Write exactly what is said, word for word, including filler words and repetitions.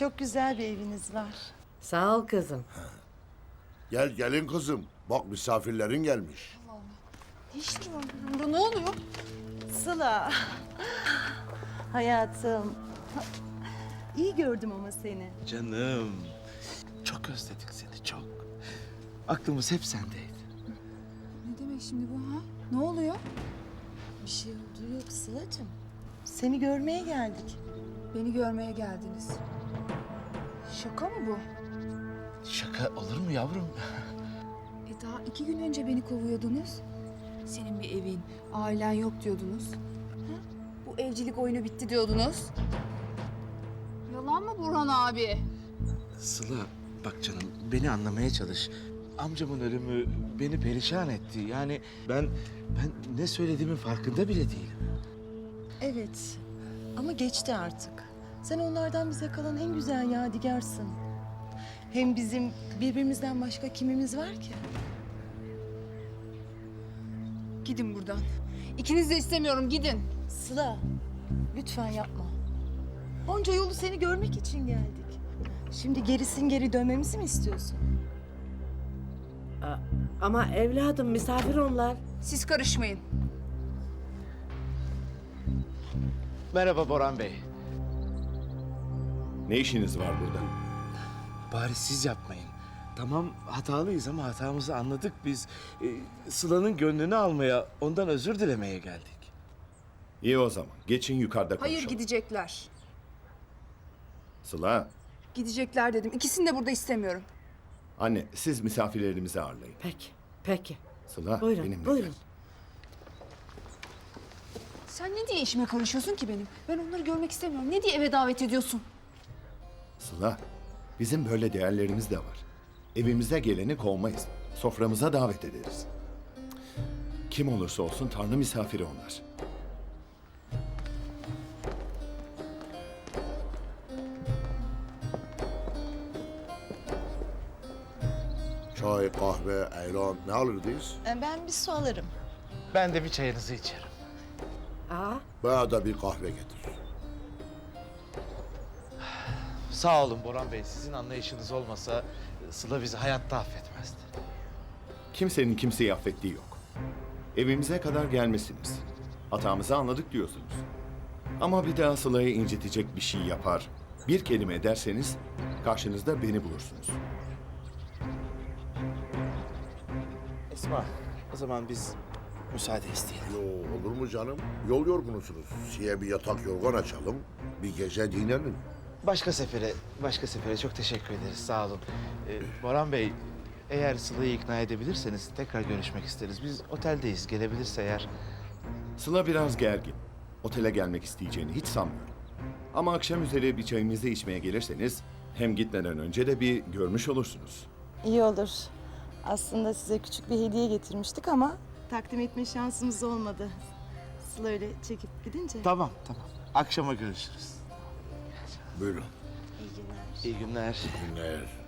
çok güzel bir eviniz var. Sağ ol kızım. Gel gelin kızım. Bak misafirlerin gelmiş. Ne işleri var burada? Ne oluyor? Sıla. Hayatım. İyi gördüm ama seni. Canım. Çok özledik seni çok. Aklımız hep sendeydi. Ne demek şimdi bu ha? Ne oluyor? Bir şey olduğu yok Sıla'cığım. Seni görmeye geldik. Beni görmeye geldiniz. Şaka mı bu? Şaka olur mu yavrum? E daha iki gün önce beni kovuyordunuz. Senin bir evin, ailen yok diyordunuz. Ha? Bu evcilik oyunu bitti diyordunuz. Yalan mı Burhan abi? Sıla bak canım beni anlamaya çalış. Amcamın ölümü beni perişan etti. Yani ben ben ne söylediğimin farkında bile değilim. Evet. Ama geçti artık. Sen onlardan bize kalan en güzel yadigarsın. Hem bizim birbirimizden başka kimimiz var ki? Gidin buradan. İkiniz de istemiyorum, gidin. Sıla, lütfen yapma. Onca yolu seni görmek için geldik. Şimdi gerisin geri dönmemizi mi istiyorsun? Aa, ama evladım misafir onlar. Siz karışmayın. Merhaba Boran Bey. Ne işiniz var burada? Bari siz yapmayın. Tamam hatalıyız ama hatamızı anladık biz. Ee, Sıla'nın gönlünü almaya, ondan özür dilemeye geldik. İyi o zaman. Geçin yukarıda konuşalım. Hayır, gidecekler. Sıla, Gidecekler dedim. İkisini de burada istemiyorum. anne siz misafirlerimizi ağırlayın. Peki, peki. Sıla, Buyurun, benimle buyurun. gel. Sen ne diye işime karışıyorsun ki benim? Ben onları görmek istemiyorum. Ne diye eve davet ediyorsun? Sıla, bizim böyle değerlerimiz de var. Evimize geleni kovmayız. Soframıza davet ederiz. Kim olursa olsun Tanrı misafiri onlar. Çay, kahve, ayran ne alırdınız? Ee, Ben bir su alırım. Ben de bir çayınızı içerim. Aa, Bana da bir kahve getir. Sağ olun Boran Bey. Sizin anlayışınız olmasa Sıla bizi hayatta affetmezdi. Kimsenin kimseyi affettiği yok. Evimize kadar gelmişsiniz. Hatamızı anladık diyorsunuz. Ama bir daha Sıla'yı incitecek bir şey yapar, bir kelime ederseniz karşınızda beni bulursunuz. Esma, o zaman biz müsaade isteyelim. Yo, olur mu canım? Yol yorgunusunuz. Size bir yatak yorgan açalım. Bir gece dinlenin. Başka sefere, başka sefere çok teşekkür ederiz. Sağ olun. Ee, Boran Bey, eğer Sıla'yı ikna edebilirseniz tekrar görüşmek isteriz. Biz oteldeyiz. Gelebilirse eğer. Sıla biraz gergin. Otele gelmek isteyeceğini hiç sanmıyorum. Ama akşam üzeri bir çayımızı içmeye gelirseniz hem gitmeden önce de bir görmüş olursunuz. İyi olur. Aslında size küçük bir hediye getirmiştik ama takdim etme şansımız olmadı. Sıla öyle çekip gidince. Tamam, tamam. Akşama görüşürüz. Buyurun. İyi günler. İyi günler. Günler.